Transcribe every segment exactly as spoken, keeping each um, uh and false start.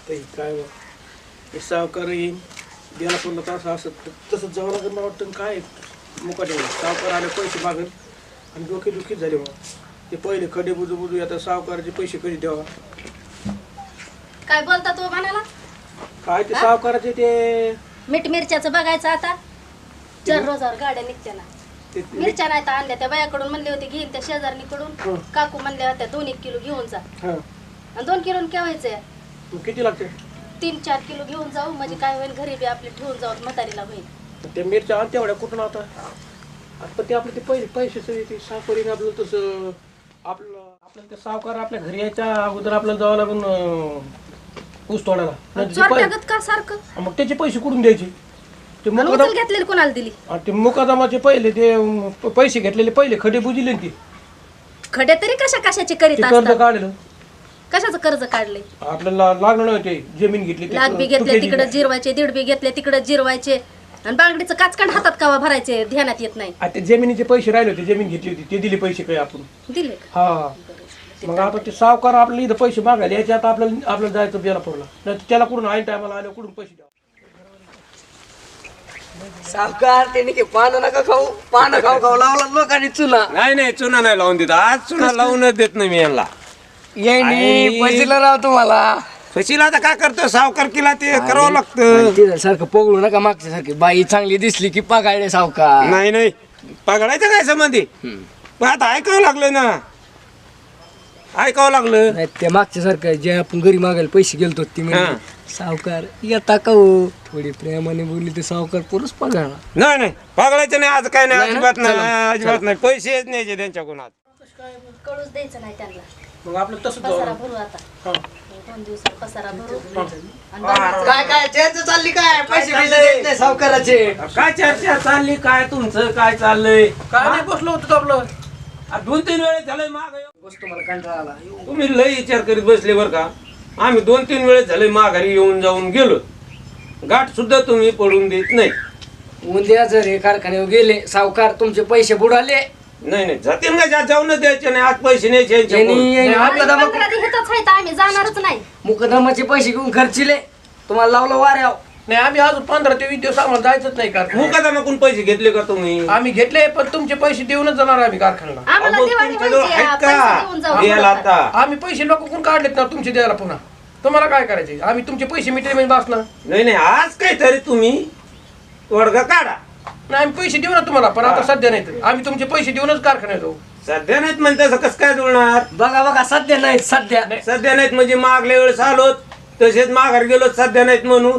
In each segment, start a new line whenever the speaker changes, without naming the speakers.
आता काय हे सावकार येईन द्यायला पण असं असं तसंच जावं लागेल मला वाटतं काय मुकाटे सावकार आले पैसे मागेल आणि डोके दुखीच झाले मग ते पहिले खडे बुजू बुजू आता सावकाराचे पैसे कधी द्यावा
काय बोलता तू म्हणाला
काय ते सावकाराचे ते
मीठ मिरच्याचं बघायचं आता चार रोजावर गाड्या निघत्या ना
ते-
मिरच्या नाही तर आणल्या त्या बायाकडून म्हणले होते घेईन त्या शेजारणीकडून काकू म्हणल्या होत्या दोन एक किलो घेऊन जा
हां
आणि दोन किलो केव्हायचंय
मग किती लागते
तीन चार किलो घेऊन जाऊ म्हणजे काय होईल घरी बी आपले ठेवून जाऊ म्हातारीला होईल
ते मिरच्या आणते एवढ्या कुठून आता पण ते आपले ते पहिले पैसे सगळे ते सावकारीने आपलं तसं आपलं आपल्याला ते सावकार आपल्या घरी यायच्या अगोदर आपल्याला जावं लागून अं, ऊस तोडायला नंतर ते पै-
चोरट्यागत का सारखं
मग त्याचे पैसे कुठून द्यायचे ते
आणि
मुकादम
उचल घेतलेली कोणाला दिली
आणि ते मुकादमाचे पहिले ते अं, प- पैसे घेतलेले पहिले खडे बुजिले ते
खडे तरी कशा कशाचे करीत
ते कर्ज
असतात
काढलं
कशाचं कर्ज काढले
आपल्याला लागलं नाही ते जमीन घेतली ते
लाख बी घेतले
तुटेची.
तिकडे जिरवायचे दीड बी घेतले तिकडे जिरवायचे आणि बांगडीचं काचकांड हातात कावा भरायचे ध्यानात येत नाही
आ, ते जमिनीचे पैसे राहिले होते जमीन घेतली होती ते दिले पैसे काय आपण
दिले का?
हा मग आता ते सावकार आपल्याला इथं पैसे मागायला याच्या आता आपल्याला आपल्याला जायचं बेला पडला नाही तर त्याला कुठून ऐन टायमाला आलं कुठून पैसे द्यावं
सावकार त्याने की पानं नका खाऊ पानं खाऊ खाऊ लावला लोकांनी चुना
नाही नाही चुना नाही लावून देत आज चुना लावूनच देत नाही मी यांना
येईनी
आई.
पैसेला राव तुम्हाला
फशीला आता काय करतो सावकार किला ते करावं लागतं
तिथं सारखं पोगळू नका मागच्या सारखी बाई चांगली दिसली की पागायले सावकार
नाही नाही पगडायचं काय संबंधी पण आता ऐकावं लागलं ना ऐकावं लागलं
नाही ते मागच्या सारखं जे आपण घरी मागायला पैसे गेलतो ती
हा.
म्हणजे सावकार येता का हो थोडी प्रेमाने बोलली ते सावकार पुरुष पगार
नाही नाही पगडायचं नाही आज काय नाही
नाही ना?
अजिबात नाही
चला.
अजिबात नाही पैसेच न्यायचे त्यांच्याकडून आज
कळूच द्यायचं नाही त्यांना
मग आपलं तसंच
पसारा
जावं
भरू आता
हा.
दोन दिवसात पसारा भरू आणि बाकीचं
काय काय चर्चा चालली काय पैसे पैसे देत नाही सावकाराचे
काय चर्चा चालली काय तुमचं काय चाललंय
काय नाही बसलो होतो आपलं
आ, दोन तीन वेळेस झालंय माग
बसतो मला कंटाळा आला
तुम्ही लय विचार करीत बसले बर का आम्ही दोन तीन वेळेस झाले माघारी येऊन जाऊन गेलो गाठ सुद्धा तुम्ही पडून देत नाही
उद्या जर हे कारखान्यावर गेले सावकार तुमचे पैसे बुडाले
नाही नाही जातील का ज्या जाऊन द्यायचे नाही आज पैसे न्यायचे यांच्याकडून.
यांनी- यांनी
नाही,
आपला दमा
पंधरा दिवसातच आहेत आम्ही जाणारच नाही
मुकदमाचे पैसे घेऊन खर्चिले तुम्हाला लावलं वाऱ्याव
नाही आम्ही अजून पंधरा ते वीस दिवस आम्हाला जायचंच नाही कारखान्यात
मुकादमाकडून पैसे घेतले का तुम्ही
आम्ही घेतले पण तुमचे पैसे देऊनच जाणार आम्ही कारखान्याला
आम्हाला
अहो,
दिवाळी
तुमच्याजवळ
व्हायची
आहेत
आहे,
का?
पैसे देऊन जाऊ
द्यायला आता
आम्ही पैसे नको कोण काढलेत ना तुमचे द्यायला पुन्हा तुम्हाला काय करायचे आम्ही तुमचे पैसे मिटले म्हणजे बसणार
नाही नाही आज काहीतरी तुम्ही वर्ग काढा
नाही आम्ही पैसे देऊ ना तुम्हाला पण आता सध्या नाही तर आम्ही तुमचे पैसे देऊनच कारखान्यात जाऊ
सध्या नाहीत म्हणजे तसं कसं काय जुळणार
बघा बघा सध्या नाही सध्या
सध्या नाहीत म्हणजे मागल्या वेळेस आलो तसेच माघार गेलो सध्या नाहीत म्हणून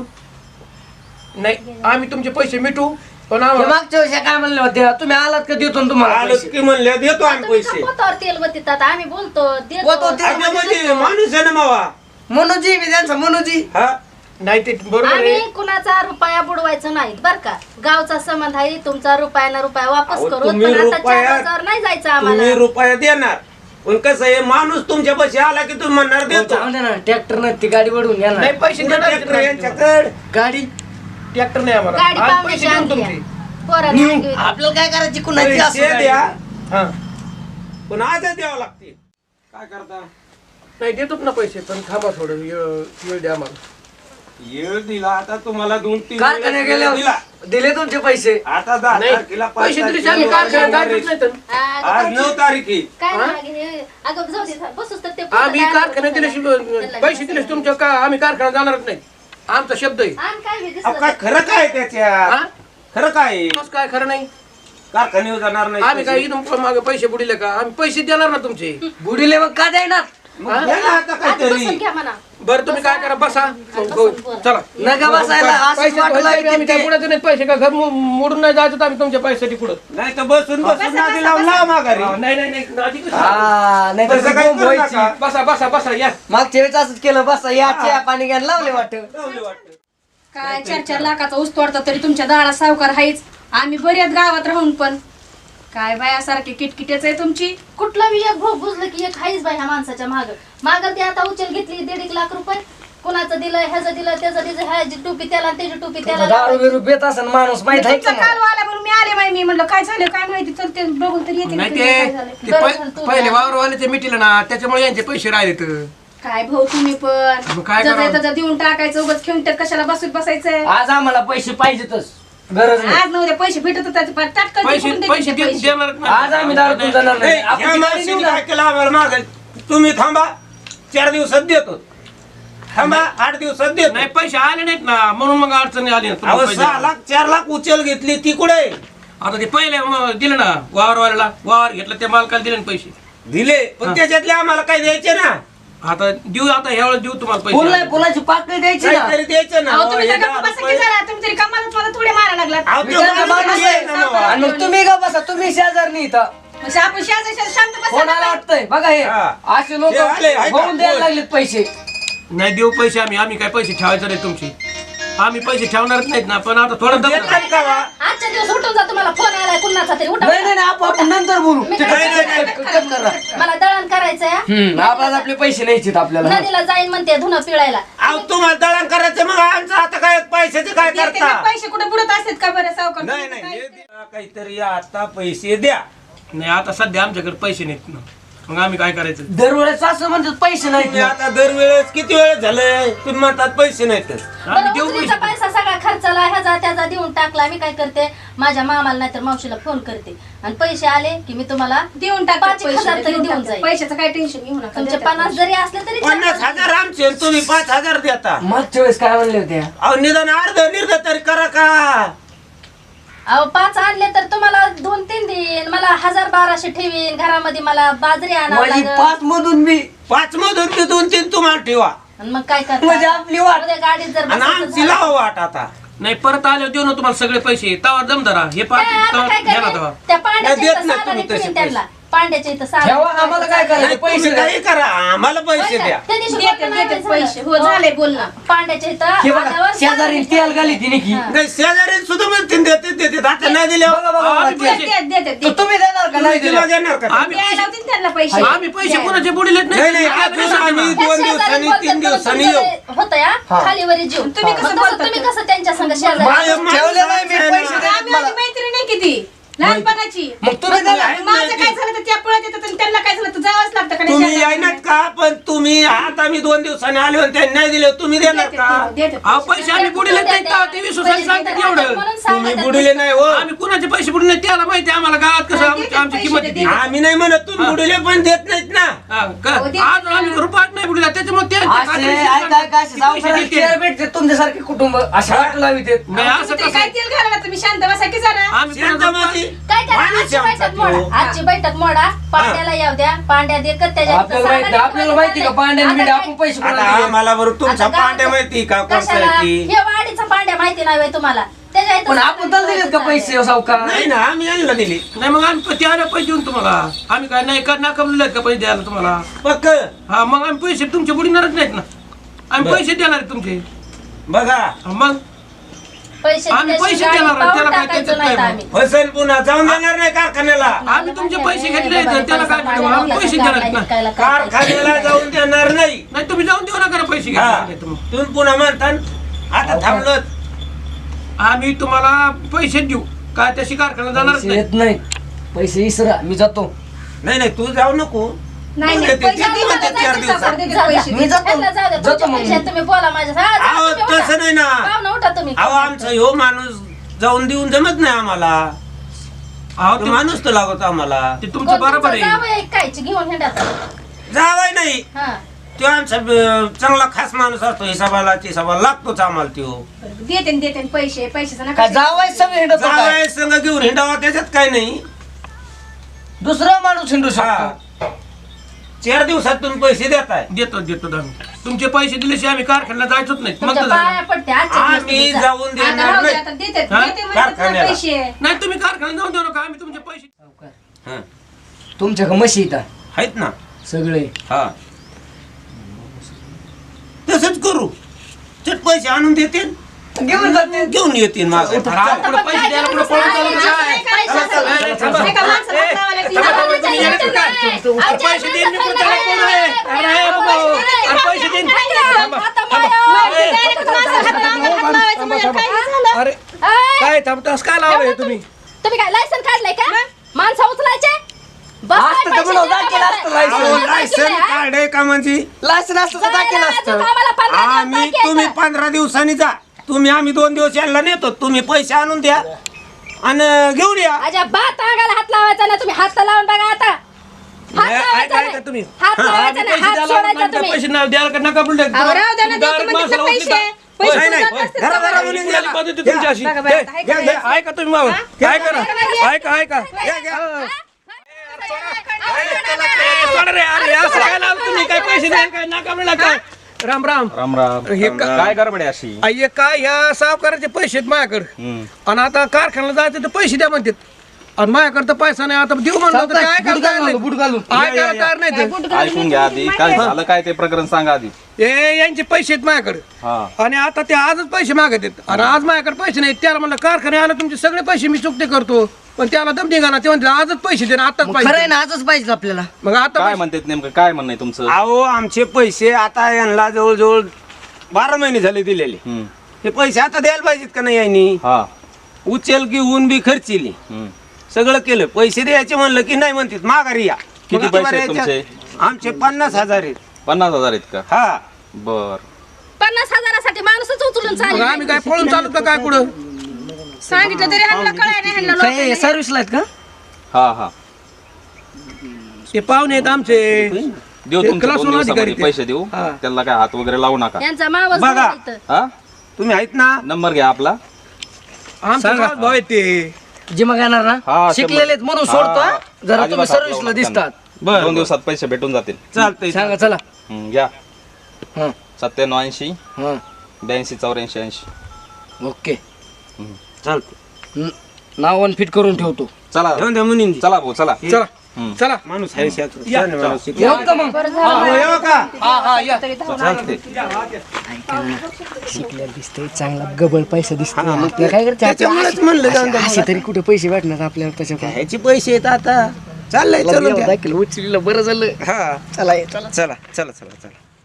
नाही आम्ही तुमचे पैसे मिटू पण
हे
आम्हाला
मागच्या वर्षी काय म्हणले होते तुम्ही आलात का देतो ना तुम्हाला
आलो
पैसे?
की म्हणल्या देतो आम्ही
तुम्ही तर
पैसे
पोतावर तेल वतीतात आम्ही बोलतो देतो.
पोतावर तेल-
अगं म्हणजे माणूस आहे ना मावा
मनोजी मी त्यांचा मनोजी
हा
नाही ते बरोबर
आम्ही
आहे
कुणाचा रुपया बुडवायचा नाही बर का गावचा संबंध आहे तुमचा रुपया ना रुपया वापस
अहो,
करू
तुम्ही
पण आता चार
रुपया-
हजार नाही जायचं
तुम्ही
आम्हाला
रुपया देणार पण कसं आहे माणूस तुमच्या पैसे आला की तुम्ही म्हणणार देतो
जाऊ दे ना ट्रॅक्टर न ती गाडी वडून घ्या
नाही
ना
पैसे देणार
ट्रॅक्टर यांच्याकडे
गाडी
ट्रॅक्टर नाही आम्हाला
गाडी
आज पैसे
पाहुण्याची
देऊन
आणली
तुमचे
पोरांनी आणली होती.
आपल्याला काय करायची कुणाची असो
पैसे
गाडी.
द्या
हा
पण आजच द्यावं लागतील काय करता
नाही देतोच ना पैसे पण थांबा थोडं वेळ वेळ द्या आम्हाला
येळ दिला आता तुम्हाला दोन तीन
कारखान्यात
वेळेस
गेले
वेळ दिला
दिले तुमचे पैसे
आता दहा
नाही
तारखेला पाच
पैसे दिले
तारखेला
आम्ही कारखान्यात जायचंच नाही तर
अगं,
आज नऊ तारीख आहे
काय
हा?
नाही हे- अगं जाऊ दे बसूच तर ते
आम्ही
पोरं काय
कारखान्यात
म्हणतात
दिल्याशिवाय
त्याला
पैसे दिले तुमच्या का आम्ही कारखान्यात जाणारच नाही आमचा शब्द आहे
आम्ही काय बी
अहो,
दिसलं
काय
तर-
खरं काय त्याच्यात
हा?
खरं काय आहे?
कसं काय खरं नाही
कारखान्यावर जाणार नाही
आम्ही काय
पैसे.
इथून मागे पैसे बुडिले का आम्ही पैसे देणार ना तुमचे
बुडीले मग का देणार
मग द्या ना आता
आधी
काहीतरी
बसून घ्या म्हणा
बरं तुम्ही काय करा बसा
बसून
हो,
बोला.
चला
नका बसायला असं
पैसे
वाटलं
भरायचे आम्ही काय
ते-
पुढे नाही पैसे का घर मो- मोडून नाही जायचं तर आम्ही तुमच्या पैशासाठी पुढं
नाही तर बसून बसून
बसा,
नादी
बसा,
लावून
बसा.
लावा माघारी
हा, नाही नाही नाही नादी कशी?
हा नाही तर
तसं
ती
काही
बोंब
करू
व्हायची.
नका.
बसा बसा बसा या
मागच्या वेळेस असंच केलं बसा या चहा पाणी घ्यायला लावले वाटत
लावले वाटतं.
काय चार चार लाखाचा ऊस तोडता तरी तुमच्या दारात सावकार हायच आम्ही बऱ्याच गावात राहून पण काय बायासारखी किटकिटेच आहे तुमची
कुठलं बी एक भोग बुजलं की एक हाईच बाई ह्या माणसाच्या माग माग ते आता उचल घेतली दीड एक लाख रुपये कुणाचं दिलं ह्याचं दिलं त्याचं दिलं ह्याची टोपी त्याला आणि त्याची टोपी त्याला
दारू
लावायची.
बिरू पेत असेल माणूस माहित आहे
तुमचा
का
काल आला म्हणून मी आले बाई मी म्हणलं काय झालं काय माहिती चल ते बघून तरी येते
नाही
ना तुझं काय
ते
झालंय.
ते
बरं
पै-
झालं तू
पहिले
नाही.
वावरवाले ते मिटिलं ना त्याच्यामुळे यांचे पैसे राहिले तर
काय भाऊ तुम्ही
मग
पण
काय
जसं
करावं?
तसं देऊन टाकायचं उगाच खेळून त्यात कशाला बसून बसायचं
आज आम्हाला पैसे पाहिजेतच गरज नाही
आज ना उद्या पैसे भेटत होतात पण तात्काळ
पैसे
तिकडून
पैसे
द्यायचे
दे-
पैसे.
देणार नाही.
आज आम्ही दारू जाणार नाही
नाही,
आपण
ह्या
ती गाडी
माणसाने
देऊ ना.
काय केलं आम्हाला माग तुम्ही थांबा चार दिवसात देतो थांबा आठ दिवसात देतो
नाही पैसे आले नाहीत ना म्हणून मग अडचणी आली ना.
अहो
तुम्हाला पैसे
सहा लाख चार लाख उचल घेतली ती कुठे
आता ते पहिले मग दिले ना वावरवाल्याला वावर घेतलं त्या मालकाला दिले ना पैसे
दिले पण त्याच्यातले आम्हाला काय द्यायचे ना
आता देऊ आता ह्या वेळेस देऊ तुम्हाला
फुल नाही
पैसे
फुलाची पाकळी द्यायची ना
काहीतरी द्यायचं ना
अहो
हो,
तुम्ही
हे
तर
दहा
गप्प बसा की
रुपये.
जरा तुम्ही तरी कमालच मला थोडे मारा लागलात
अहो,
मी
तो
त्यांचा
माणूस
माणूस
आहे
आहे.
ना मग.
आणि मग तुम्ही का बसा तुम्ही शेजारनी इथं
म्हणजे आपण शेजारी शेजारी शांत बसा
कोणाला
ना.
वाटतंय बघा हे
हा.
असे लोक
हे आले, आहे का?
होऊन द्यायला लागलेत पैसे
नाही देऊ पैसे आम्ही आम्ही काय पैसे ठेवायचे नाही तुमचे आम्ही पैसे ठेवणारच नाहीत ना पण आता थोडं दम
देतात का वा?
आजच्या दिवस उठून जा तुम्हाला फोन आलाय कुणाचा तरी उठा
नाही नाही नाही, आपण आपण नंतर बोलू
मी
ते
काय-
कट- कट- कट- कट करा.
मला दळण करायचंय हा.
हम्म आपल्याला आपले पैसे न्यायचेत आपल्याला
नदीला जाईन म्हणते धुणं पिळायला
अहो तुम्हाला दळण करायचं मग आमचं आता काय पैशाचे काय
देते
करता
ना, पैसे कुठे बुडत असतात का बरं सावकार
नाही नाही हे द्या, काहीतरी आता पैसे द्या
नाही आता सध्या आमच्याकडे पैसे नाहीत ना मग आम्ही काय करायचं
दरवेळेस असं म्हणतात पैसे नाहीत
तुम्ही
ना.
आता दरवेळेस किती वेळ झालंय तुम्ही म्हणतात पैसे नाहीत
आम्ही
बरं
देऊ
उचलीचा
पैसे
पैसा सगळा खर्चाला ह्याचा त्याचा देऊन टाकला मी काय करते माझ्या मामाला नाहीतर मावशीला फोन करते आणि पैसे आले की मी तुम्हाला
देऊन टाक
पाच एक हजार तरी देऊन जाईल
पैशाचं काय टेन्शन घेऊ नका
तुमचे
देतात
पन्नास
पैसे.
जरी असले तरी
पन्नास हजार आमचे आणि तुम्ही पाच हजार देता
मागच्या वेळेस काय म्हणले होते
अहो निदान अर्ध निर्ध तरी करा का
अहो पाच आणले तर तुम्हाला दोन तीन देईन मला हजार बाराशे ठेवीन घरामध्ये मला बाजरी आणावं
माझी
लागेल
पाच मधून मी
पाच मधून ते दोन तीन तुम्हाला ठेवा
आणि मग काय करता
म्हणजे आपली वाट.
उद्या गाडीत जर
आणि
बसायचं
आमची
झालं-
लावा वाट आता
नाही परत आले देऊ ना तुम्हाला सगळे पैसे तवा दम धरा हे पाच
काय आता काय
घ्या ना
करेन?
तवा
त्या पांड्याच्या
नाही, देत
इथं
नाही
सालाने
तुम्ही तसे
ठेवीन त्यांना पांड्याच्या इथं सालाने
ठेवा, आम्हाला काय करायचं?
नाही,
पैसे
तुम्ही
द्या.
काही करा आम्हाला पैसे द्या
त्या दिवशी
देते,
बोलणं नाही
देते
झालं.
पैसे. हो, झालंय बोलणं.
पांड्याच्या इथं
हे बघा
आल्यावर
शेजारी
सालाने
तेल गाली तिने की
हा.
नाही शेजारी सुद्धा म्हणते देते देते आता नाही दिले
बघा बघा बघा,
आम्ही
ते-
पैसे-
देते, देते,
तो
देते.
तुम्ही देणार का नाही
तिला
देणार?
देणार का
आम्ही
द्यायला होते ना त्यांना पैसे
आम्ही पैसे
द्यायला.
कोणाचे बुडीलेत
नाही, नाही,
आम्ही
आम्ही-
पैसे
आम्ही-
देणार.
दोन
त्या
दिवसांनी,
शेजारी
तीन
बोलतात
दिवसांनी
म्हणून
येऊ.
तुमचं होतं या
हा.
खालीवरी जीव
तुम्ही
मग
कसं
तसं
बोलता
तुम्ही
ते?
कसं त्यांच्या संग शेजारी
माझ्या-
ठेवले नाही मी पैसे देत
आम्ही
मला.
माझी मैत्रीण आहे किती लहानपणाची
मग तुम्ही देणार
आहे.
माझं काय झालं तर त्या पळत येतात आणि त्यांना काय झालं तर जावंच लागतं का नाही
तुम्ही
शेजारी?
येणार का पण तुम्ही आता मी दोन दिवसांनी आले आणि त्यांनी नाही दिले तुम्ही देणार
देते,
का
देते.
अहो पैसे आम्ही बुडीलेत नाहीत का ते विश्वासाने सांगतात एवढं
म्हणून सांगा
तुम्ही
त्या-
बुडीले नाही हो
आम्ही कुणाचे पैसे बुडले नाहीत त्याला माहिती आहे आम्हाला गावात कसं आमची
देते,
आमची
पैसे
किंमत
देते.
किती
आम्ही नाही म्हणत तुम्ही बुडीले पण देत नाहीत ना
हा, का?
हो, देते
आज
ना.
आम्ही रुपयात नाही बुडला त्याच्यामुळे ते- ते
असे
खात्रीशीर
ऐका
सांगतात.
ऐका असे
ते
सावकाराला
पैसे देते.
शेअर भेटते तुमच्यासारखे कुटुंब अशा वाट लावित आहेत.
नाही असं
तुम्ही
कसं
काय तेल घाला ना तुम्ही शांत बसा की जरा
आम्ही
शांत
कोणाचं-
बसी.
काय करा
माणूस
आजची
आहे आमचा
बैठक मोडा
तो.
आजची बैठक मोडा पांड्याला येऊ द्या पांड्या दे कर त्याच्या
आपल्याला माहिती आपल्याला माहिती का पांड्याने बिंड्या आपण पैसे
आता
कोणाला दिले?
आम्हाला बरं तुमचा पांड्या माहिती का कोणता आहे ती
हे वाडीचा पांड्या माहिती नाही होय तुम्हाला त्याच्या इथं
पण आपण तर दिलेत का पैसे सावकार
नाही ना आम्ही यांना दिली
नाही मग आम्ही ते आले पैसे देऊन तुम्हाला आम्ही काय नाही का नाकामले का पैसे द्यायला तुम्हाला
पक्क
हा मग आम्ही पैसे तुमचे बुडणारच नाहीत ना आम्ही
बरं.
पैसे देणार आहेत तुमचे
बघा
हा, मग
पैसे
आम्ही
दिल्याशिवाय
पैसे
गाडी
देणार,
पाऊल
त्याला काय
टाकायचं
त्याच्यात
नाहीत
काय
आम्ही
फसल पुन्हा जाऊन देणार नाही कारखान्याला
आम्ही तुमचे पैसे घेतले तर त्याला काय करावं? आम्ही पैसे देणार आहेत ना
कारखान्याला जाऊन देणार नाही
नाही तुम्ही जाऊन देऊ नका ना पैसे
हा
घेतले तर मग.
तुम्ही पुन्हा म्हणता आता थांबलो
आम्ही तुम्हाला पैसे देऊ काय त्याशी कारखाना जाणारच
पैसे
नाही
येत नाही पैसे इसरा मी जातो
नाही नाही तू जाऊ नको
नाही
देते,
नाही पैसे
देते
देते,
म्हणते
देते,
चार
देते,
दिवसात.
देते,
जा, जा.
पैसे.
मी जातो
ह्याला जाऊ द्या,
जातो
तुमच्या
मग
पैशात तुम्ही बोला माझ्या हा, जा,
अहो
तुम्ही उठा.
तसं नाही ना
पाहुणं उठा तुम्ही
अहो आमचा ह्यो माणूस जाऊन देऊन जमत नाही आम्हाला
अहो
तो
ते-
माणूस तर लागत आम्हाला
ते तुमचं बरोबर आहे
जावं कायची घेऊन हिंडात
जावाय नाही
हा
तो आमचा अं, चांगला खास माणूस असतो हिसाबाला ते हिसाबाला लागतोच आम्हाला तो
देते न देते न पैसे पैशाचं नका
काय जावाय सगळे हिंडत काय
जावाय संग घेऊन हिंडावा त्याच्यात काय नाही
दुसरा माणूस हिंडू
हा
शकतो
चार दिवसातून पैसे देताय
देतो देतो आम्ही तुमचे पैसे दिल्याशिवाय आम्ही कारखान्याला जायचोच नाही मग
तुमच्या
तर झालं.
पाया पडते आजच्या दिवस
आम्ही
तुम्ही जा.
जाऊन
आता
देणार
राहू दे,
नाही
आता देते
हा?
देते म्हणतात ना
कारखान्याला.
पैसे
नाही तुम्ही कारखान्यात जाऊन देऊ नका आम्ही तुमचे पैसे
हा.
तुमच्याकडे म्हशी इथं
आहेत ना
सगळे
हा तसंच करू चट पैसे आणून देते
घेऊन जाते
घेऊन येतील माझं
अरे, आपण
आता पण
पैसे
काय
द्यायला
करू
कुठं पळून
सांगा?
चाललो काय?
पैशाचं-
ए, ए, थांबा.
एका माणसाला
ए,
लावायला ती
थांबा,
लावायला
थांबा, तुम्ही
जायचं
येणार काय?
नाही.
तुमचं
आमच्या
पैसे देईन मी
माणसाचं
पुढच्या
नाही.
कोण आहे? अरे,
नाही.
बाबा,
पैसे
अरे, पैसे देईन. थांबा,
आता
थांबा.
माया.
ए,
डायरेक्ट माणसाला हात लावायला हात लावायचं म्हणजे काय झालं
अरे
ए,
काय थांबतास काय लावलंय तुम्ही
तुम्ही काय लायसन काढलंय का माणसं उचलायचे बसायला
असतं तर
पैसे
म्हणून
द्या
दाखल असतं
मला.
लायसन.
आम्हाला
लायसन
दाखल आहे,
कार्ड आहे का म्हणजे
लायसन असतं तर दाखल
जायला
असतं
अजून आम्हाला पंधरा दिवस
आम्ही
बाकी आहे
तुम्ही
तर.
पंधरा दिवसांनी जा तुम्ही आम्ही दोन दिवस यांना नेतो तुम्ही पैसे आणून द्या आणि घेऊन या
अजिबात अंगाला हात लावायचा ना तुम्ही हात लावून बघा आता हात
नाही,
लावायचा
ऐका- ऐका
नाही.
तुम्ही.
हात लावायचा
आम्ही
नाही,
पैसे
हात
द्यायला
सोडायचा
लागलो,
तुम्ही.
पैसे नाही द्यायला का नका बोलले.
अहो, राहू द्या ना,
तुम्ही
देतो
direct
म्हणजे
माणसाला
पैसे.
उचलता.
पैसे
होय,
देत
नाही,
असतील
घरा-
तर
घरा
बघा.
बोलून द्यायला पद्धती तुमची अशी.
बघा, बघा,
घ्या,
ऐका,
घ्या,
ऐका.
घ्या, ऐका तुम्ही मामा. ऐका ना ऐका ऐका
घ्या, घ्या.
सोडा रे, अरे असं काय लावलं तुम्ही काय पैसे द्याल काय नका म्हणला काय राम राम
राम राम
हे का-
काय गडबड आहे अशी
आ, हे काय ह्या सावकाराचे पैसे आहेत माझ्याकडे
हम्म.
आणि आता कारखान्याला जायचं तर पैसे द्या म्हणतात आणि माझ्याकडे तर पैसा नाही आता देऊ म्हणलं तर काय
बुट घालून बुट घालून
ऐकायला तयार नाही ते.
ऐकून घ्या आधी काय झालं काय ते प्रकरण सांगा आधी
हे यांचे पैसे आहेत माझ्याकडे
हा
आणि आता ते आजच पैसे मागत आहेत आणि आज माझ्याकडे पैसे नाहीत त्याला म्हणलं कारखाने आला तुमचे सगळे पैसे मी चुकते करतो पण त्याला दम निघाला ते म्हणते आजच पैसे दे ना आताच
खरं आहे
पैसे
ना आजच पाहिजे आपल्याला
मग आता
काय
पैसे-
म्हणतात नेमकं काय म्हणणं आहे तुमचं
अहो आमचे पैसे आता यांना जवळजवळ बारा महिने झाले दिलेले
हम्म.
हे पैसे आता द्यायला पाहिजेत का नाही यांनी
हा
उचल घेऊन बी खर्चिली
हम्म.
सगळं केलं पैसे द्यायचे म्हणलं की नाही म्हणतात माघारी या
किती
मग
पैसे
आता
आहेत
याच्या-
तुमचे?
आमचे पन्नास हजार आहेत
पन्नास हजार आहेत का
हा
बर
पन्नास हजारासाठी माणूसच उचलून
मग
चालेल
आम्ही काय पळून चालू का काय कुठं
सांगितलं तरी ह्यांना कळाय नाही ह्यांना
काय
लोकांना.
सर्व्हिसला आहेत का
हा हा
ते पाहुणे आहेत आमचे
देऊ
ते
तुमच्या
class
दोन
one
दिवसामध्ये
अधिकारी ते.
पैसे देऊ
हा.
त्याला काय हात वगैरे लावू नका
यांचा मावस
बघा.
भाऊ इथं.
हा
तुम्ही आहेत ना
नंबर घ्या आपला
आमचे खास भाऊ आहेत ते
जिमा घेणार ना
हा
शिकलेले आहेत म्हणून सोडतो हा. जरा तुम्ही
अजिबात हात लावू
सर्व्हिसला
नका
दिसतात
त्यांना.
बरं,
दोन
बरं.
दिवसात पैसे भेटून जातील
चालतंय
सांगा चला
हम्म, घ्या
हा
सत्त्याण्णव ऐंशी
हा
ब्याऐंशी चौऱ्याऐंशी ऐंशी
ओके
चालतंय
न- नाव वन फिट करून ठेवतो
चला
ठेवून द्या मुनींची
चला भाऊ चला
चला
हम्म.
चला
माणूस आहे शास्त्र. छान माणूस आहे.
येऊ का मग
हो, येऊ का
हा हा या
चालतंय
शिकल्या दिसतंय चांगला गबळ पैसा दिसतोय आपल्याला काय करते
त्याच्यामुळेच म्हणलं जाऊन द्या
असे तरी कुठे पैसे भेटणार आपल्याला त्याच्याकडे
ह्याचे पैसे आहेत आता चाललंय चलून द्या.
दाखल उचलीला बरं झालं
हा
चला ये, चला
चला चला चला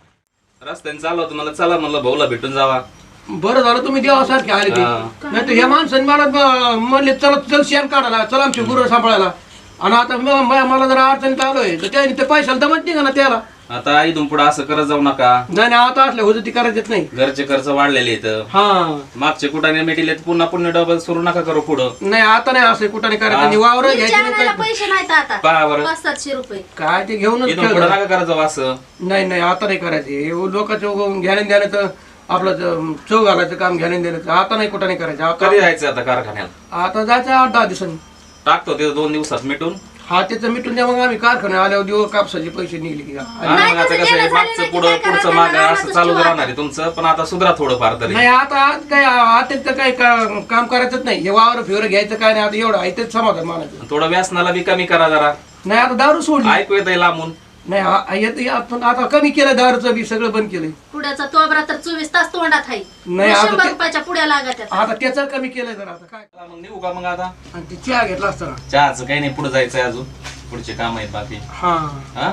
चला
रस्त्याने चाललो होतो मला चला म्हणलं भाऊला भेटून जावा
बरं झालं तुम्ही देवासारखे आले ते
हा.
नाही तर ह्या माणसाने मला ब- म्हणले चला चल शेण काढायला चला आमची गुरं सांभाळायला आणि आता म- म- मला जरा अडचणीत आलोय तर त्याने ते पैशाला दमत नाही का ना त्याला
आता इथून पुढे असं करत जाऊ नका
नाही नाही आता असल्या होतं ती करायचीच नाही
घरचे खर्च वाढलेले आहेत
हा
मागचे कुठाने मिटिले पुन्हा पुन्हा डबल सुरू नका करू पुढं
नाही आता नाही असं कुठं नाही करायचं आणि वावर
मिरच्या
घ्यायचे
आणायला
नाही
पैसे नाहीत आता
पहा बरं
पाच सातशे रुपये
काय ते घेऊनच
इथून पुढे
खेळतो.
नका करत जाऊ असं
नाही नाही आता नाही करायचे हे लोकांचं घ्यायला देण्याचं आपलं ज- चव घालायचं काम घ्यायला देण्याचं आता नाही कुठं नाही करायचं आता
कधी जायचं आता कारखान्याला
आता जायचं आठ दहा दिवसांनी
टाकतो ते दोन दिवसात मिटून
हा त्याचं मिटून द्या मग आम्ही कारखान्यात आल्यावर देऊ कापसाचे पैसे निघले की
आणि मग आता कसं आहे मागचं पुढं पुढचं माग असं चालू राहणार आहे तुमचं पण आता सुधरा थोडं फार तरी
नाही आता आज काय आता तर काही का- काम करायचंच नाही हे वावर फिवर घ्यायचं काय नाही आता एवढं आहे तेच समाधान मानायचं
थोडं व्यासनाला बी कमी करा जरा
नाही आता दारू सोडली
ऐकू येत लांबून
नाही आ- येत- आपण आता कमी केलं दारूचं बी सगळं बंद केलंय
पुड्याचा तोबरा तर चोवीस तास तोंडात आहे
नाही, आता
शंभर
ते-
रुपयाच्या पुड्या लागत आहेत.
आता त्याचं कमी केलंय जरा आता काय
मग निघू का मग आता
आणि ते चहा घेतला असताना
चहाचं काही नाही पुढे जायचंय अजून पुढचे काम आहेत बाकी
हा
हा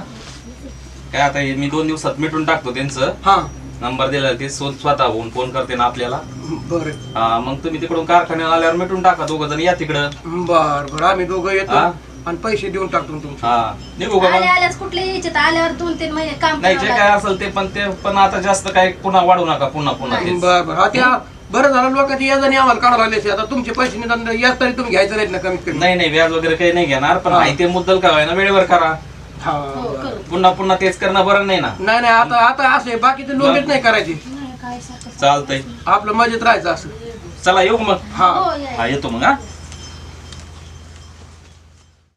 काय आता हे मी दोन दिवसात मिटून टाकतो त्यांचं
हा
नंबर दिला ते स्व- स्वतः होऊन फोन करते ना आपल्याला
बरं
हा मग तुम्ही तिकडून कारखान्याला आल्यावर मिटून टाका दोघ जण या तिकडं
बर बर आम्ही दोघं येतो
हा?
आणि पैसे देऊन टाकतो तुमचे
हा निघू का
आले
मग
आल्याच कुठले यायचे तर आल्यावर दोन तीन महिने काम
नाही जे
करावं
काय
लागतं.
असेल ते पण ते पण आता जास्त काय पुन्हा वाढू नका पुन्हा पुन्हा तेच.
बर बर हा त्या बरं झालं लोकांची याजाने आम्हाला काढायला आले आता तुमचे पैसे निदान याच तरी तुम्ही घ्यायचं नाहीत ना कमीत कमी
नाही नाही व्याज वगैरे काही नाही घेणार पण
हा.
आहे ते मुद्दल का ना वेळेवर करा
हा
हो, करू.
पुन्हा पुन्हा तेच करणं बरं नाही ना
नाही नाही आता आता असे बाकीचे लोकच नाही करायचे
नाही, काय सारखं-
चालतंय
आपलं मजेत राहायचं असं
चला येऊ का मग
हा
हो, या, या.
हा येतो मग हा